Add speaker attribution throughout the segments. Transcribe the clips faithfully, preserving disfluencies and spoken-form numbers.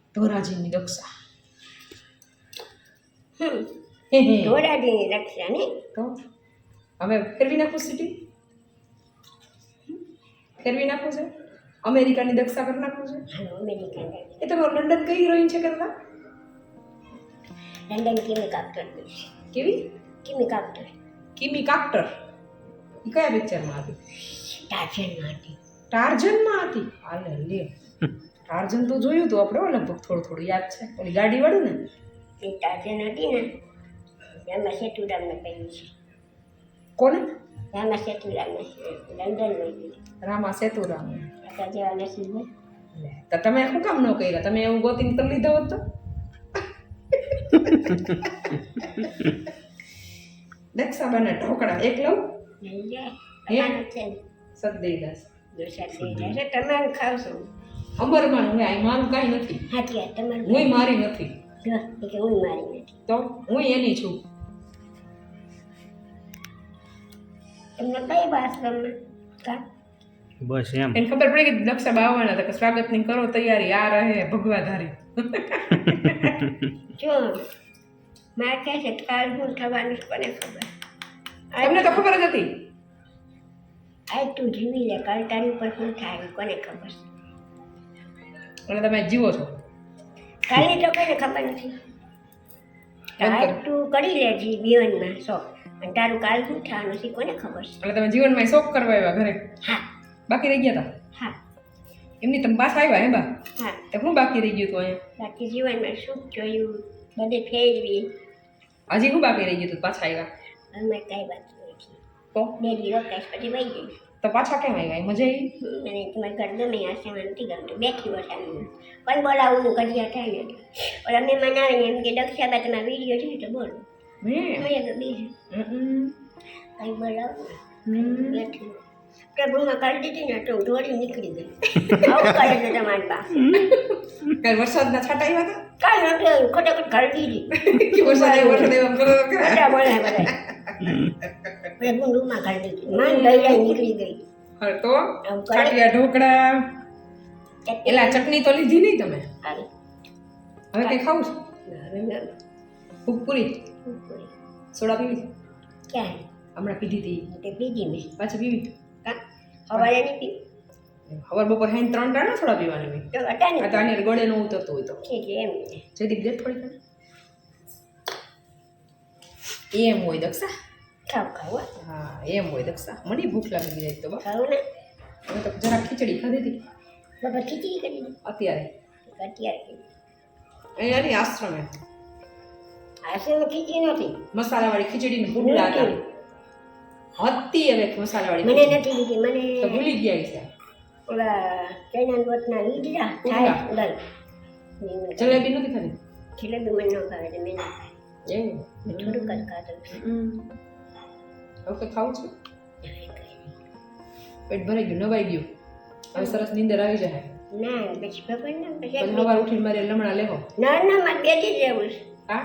Speaker 1: ધોરાજીની દક્ષા.
Speaker 2: હમ
Speaker 1: હે હે.
Speaker 2: ધોરાજીની રક્ષા ને
Speaker 1: તો હવે ફેરવી નાખું સિટી, ફેરવી નાખું છે. અમેરિકાની દક્ષા કરી નાખું છે.
Speaker 2: હાલો અમેરિકન
Speaker 1: એ તો લંડન કઈ હિરોઈન છે કરતા?
Speaker 2: લંડન કિમી કાક્ટર
Speaker 1: કેવી?
Speaker 2: કિમી કાક્ટર
Speaker 1: કિમી કાક્ટર. એ કયા પિક્ચરમાં હતી?
Speaker 2: ટાર્ઝનમાં હતી.
Speaker 1: ટાર્ઝનમાં હતી? હાલે લે, ટાર્ઝન તો જોયું હતું આપણે લગભગ થોડું થોડું યાદ છે. ઓલી ગાડી વાળું ને
Speaker 2: એ ટાર્ઝન હતી ને એમાં સેતુરામને પહેરી છે.
Speaker 1: કોને?
Speaker 2: રામા સેતુરામને લંડન લઈ ગઈ.
Speaker 1: રામા સેતુરામ.
Speaker 2: આપણા જેવા નસીબ હોય.
Speaker 1: તો તમે શું કામ ન કર્યા? તમે એવું ગોતીને કરી લીધો હોત તો. દક્ષા બને ઢોકળા એક લઉં.
Speaker 2: લઈ જાય તમારું છે ને
Speaker 1: સદઈ દાસ
Speaker 2: દોષા થઈ જશે. તમારું ખાવશો
Speaker 1: અંબરમાં હું આ મારું કાંઈ નથી.
Speaker 2: હાથી આ તમારું
Speaker 1: હું મારી નથી.
Speaker 2: જો એ કે હું મારી નથી.
Speaker 1: તો હું એની છું.
Speaker 2: તમને કઈ વાત ગમે કા
Speaker 3: બસ એમ
Speaker 1: એને ખબર પડી કે દક્ષા બાવાના હતા કે સ્વાગતની કરો તૈયારી, આ રહે ભગવાધારી.
Speaker 2: જો મારે કહે છે કાલ હું થવાનું છે કોને ખબર.
Speaker 1: તમને તો ખબર જ હતી.
Speaker 2: આજ તું જીવી લે કાલ તારી ઉપર શું થાય કોને ખબર.
Speaker 1: અને તમે જીવો છો.
Speaker 2: કાલની તો કોઈને ખબર નથી. આજ તું કરી લે જી જીવનમાં શોખ અને તારું કાલ શું થવાનું છે કોને ખબર છે.
Speaker 1: એટલે તમે જીવનમાં શોખ કરવા આવ્યા ઘરે?
Speaker 2: હા
Speaker 1: બાકી રહી ગયા હતા?
Speaker 2: હા
Speaker 1: એમની તમે પાછા આવ્યા હે બા?
Speaker 2: હા
Speaker 1: તો શું બાકી રહી ગયું હતું અહીંયા?
Speaker 2: બાકી જીવનમાં સુખ જોયું બધે ફેરવી.
Speaker 1: હજી શું બાકી રહી ગયું હતું પાછા આવ્યા?
Speaker 2: અમે કાંઈ વાત નથી.
Speaker 1: તો
Speaker 2: બે દિવસ કાંઈ પછી વહી ગઈ.
Speaker 1: તો પાછા કેમ આવ્યા? મજા આવી?
Speaker 2: મને તમારે ઘર ગમે હશે મને નથી ગમતું. બેઠી વસાવી પણ બોલાવું હું કડિયા થાય ને ઓલા મેં મનાવે ને એમ કે દક્ષાબા તમારા વિડીયો છે તો બોલો.
Speaker 1: હે
Speaker 2: મેં તો બીજું
Speaker 1: હમ
Speaker 2: કંઈ બોલાવું
Speaker 1: હમ
Speaker 2: બેઠી પ્રભુમાં કરી દીધી ને તો હું દોડી નીકળી ગઈ. આવું કરે છે તમારી બા.
Speaker 1: કાલ વરસાદના છાંટા આવ્યા હતા?
Speaker 2: કાંઈ નથી આવ્યું ખોટાખોટ કરી દીધી.
Speaker 1: કે વરસાદ આવ્યો, વરસાદ આવ્યો એમ કરો તો ખરા.
Speaker 2: બધા બોલે બધા પ્રભુ રૂમમાં કરી દીધી. માન લઈ જાય નીકળી ગઈ.
Speaker 1: હા, તો
Speaker 2: આવું કરે.
Speaker 1: ખાટિયા ઢોકળા
Speaker 2: ચટણી
Speaker 1: એલા ચટણી તો લીધી નહીં તમે?
Speaker 2: આવી.
Speaker 1: હવે કઈ ખાવું છે?
Speaker 2: હવે મેં
Speaker 1: ફૂગપુરી
Speaker 2: પૂરી.
Speaker 1: Soda PV?
Speaker 2: ક્યાં
Speaker 1: હમણાં પીધી હતી.
Speaker 2: તે પીધી મેં
Speaker 1: પાછી પીવી?
Speaker 2: કાં સવારે નહીં પીવી
Speaker 1: ખબર બપોર હાઈ ત્રણ ટાણા સોડા પીવાની હોય.
Speaker 2: તો હતા ને
Speaker 1: આ તો આની ગળે ન ઉતરતું હોય તો
Speaker 2: ઠીક છે એમ ને
Speaker 1: જયદીપ દે થોડી ઘણી. એમ હોય દક્ષા.
Speaker 2: ખાવ ખાવ હો.
Speaker 1: હા એમ હોય દક્ષા. મને ભૂખ લાગી જાય તો બા.
Speaker 2: ખાવ ને
Speaker 1: હવે તો જરા ખીચડી ખાધી હતી
Speaker 2: બાબા ખીચડી કરી દીધી
Speaker 1: અત્યારે
Speaker 2: અત્યારે કરી.
Speaker 1: અહીંયા ની આશ્રમે
Speaker 2: આશેમાં ખીચડી નથી
Speaker 1: મસાલાવાળી ખીચડી ને પુડલા હતા. હતી હવે મસાલાવાળી
Speaker 2: મને
Speaker 1: ખીચડી.
Speaker 2: નથી દીધી મને
Speaker 1: તો ભૂલી ગયા છે.
Speaker 2: ઓલા ચણા લોટના લીધા
Speaker 1: પુડલા.
Speaker 2: થાય અંદર
Speaker 1: જલેબી નથી ખાધી?
Speaker 2: જલેબી મને ન ભાવે એટલે મેં ના ખાય
Speaker 1: એવું
Speaker 2: મેં થોડુંક જ ખાધું છે.
Speaker 1: હમ. હવે તો ખાવું છું. પેટ ભરાઈ ગયું, નવાઈ ગયું. હવે સરસ નીંદર આવી જાય.
Speaker 2: ના પછી ખબર ના પછી
Speaker 1: પછી સવાર ઉઠીને મારે લમણા લેવો.
Speaker 2: ના ના મારે બેસી જ રહેવું છે.
Speaker 1: હા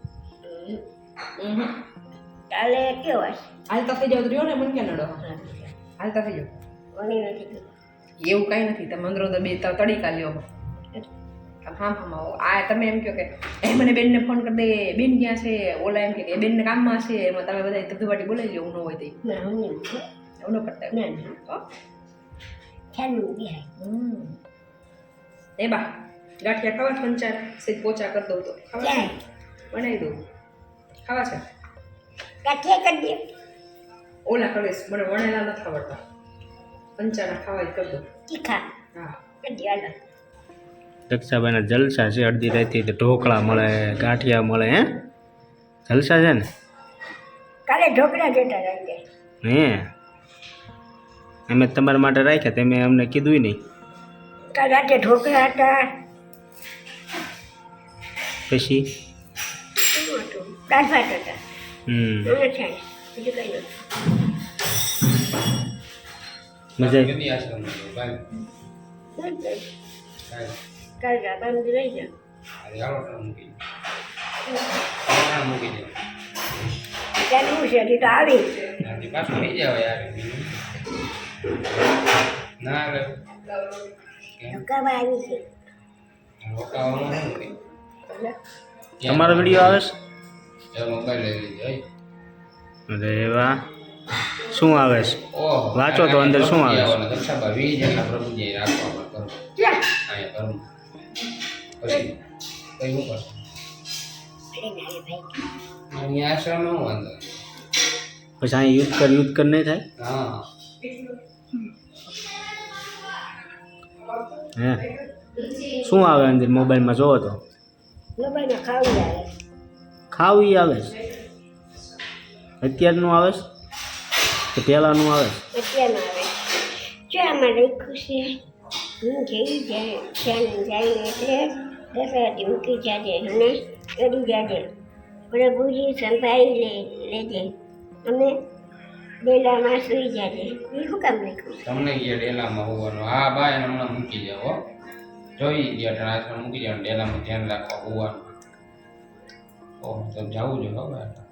Speaker 1: હમ.
Speaker 2: કાલે કેવો હશે
Speaker 1: હાલતા થઈ જાવ તો રહ્યો ને મને ક્યાં નડો. હાલતા થઈ જાવ
Speaker 2: કોની નથી કીધું.
Speaker 1: એવું કાંઈ નથી. તમે અંદરો તો બે ત- તડીકા લ્યો. હા હા આવો. આ તમે એમ કહો કે એ મને બેનને ફોન કરી દે, બેન ક્યાં છે? ઓલા એમ કે કે બેનને કામમાં છે. એમાં તમે બધા ધબધબાટી બોલાવી લો. એવું ન હોય તો
Speaker 2: ના હું નહીં
Speaker 1: એવું ન કરતા.
Speaker 2: ના ના
Speaker 1: તો
Speaker 2: ખ્યાલ બિહાય
Speaker 1: હમ. એ બા ગાંઠિયા ખાવા છે? પંચાર સીધ પોચા કરી દઉં તો ખાવા છે?
Speaker 2: ક્યાં
Speaker 1: બનાવી દઉં. ખાવા છે?
Speaker 2: કાઠિયા કરી દે
Speaker 1: ઓલા કરીશ. મને વણેલા નથી આવડતા. પંચાના ખાવા જ કરી દઉં.
Speaker 2: તીખા
Speaker 1: હા
Speaker 2: કરી દે હાલો.
Speaker 3: દક્ષાબાઈના જલસા છે. અડધી રાતે તો ઢોકળા મળે, ગાંઠિયા મળે. હે જલસા છે ને?
Speaker 2: કાલે ઢોકળા જોતા રહી
Speaker 3: હે અમે તમારા માટે રાખ્યા, તમે અમને કીધું નહીં.
Speaker 2: કાલે રાતે ઢોકળા હતા.
Speaker 3: પછી
Speaker 2: શું હતું? દાળ ભાત હતા.
Speaker 3: હમ
Speaker 2: મને થાય બીજું કંઈ નથી.
Speaker 3: મજા
Speaker 2: શું જ કાલે રાબા સુધી રહી જાઓ. ત્યારે હું છે હજી તો આવી ઢોકળા આવી છે
Speaker 4: રોકાવાનું નથી.
Speaker 3: તમારો વિડીયો આવે છે
Speaker 4: એ મોબાઈલ લઈ લીધો હે.
Speaker 3: અરે વાહ શું આવે છે
Speaker 4: ઓહો,
Speaker 3: વાંચો તો અંદર શું આવે છે?
Speaker 4: આવવાના દક્ષાબા વીસ જેટલા પ્રભુજી રાખવા પડે ઘરમાં.
Speaker 2: ક્યાં
Speaker 4: અહીંયા ઘરમાં. પછી કઈ શું કરશે?
Speaker 2: અરે નારે ભાઈ
Speaker 4: અહીંયા આશ્રમમાં હું વાંધો?
Speaker 3: પછી અહીં યુદ્ધ કર યુદ્ધ કર નહીં થાય
Speaker 4: હા
Speaker 3: હે શું આવે અંદર મોબાઈલમાં જોવો તો
Speaker 2: મોબાઈલમાં ખાવું આવે
Speaker 3: ખાવું ઈ આવે છે અત્યારનું આવે છે કે પહેલાંનું આવે છે
Speaker 2: અત્યારનું આવે જો આમાં લખ્યું છે હું જેવી જાય ત્યાં જાય એટલે દસરાથી મૂકી જાજે અને ચડી જાજે પ્રભુજી સંભાળી લે લેજે અમે ડેલામાં સૂઈ જાજે એ શું કામ લખ્યું છે
Speaker 4: તમને ગયા ડેલામાં હોવાનું. હા બા એને હમણાં મૂકી જાઓ હો. જોઈ ગયા આશ્રમ મૂકી જાઓ ડેલામાં ધ્યાન રાખવા હોવાનું. ઓહ તો જવું જોઈએ ખબર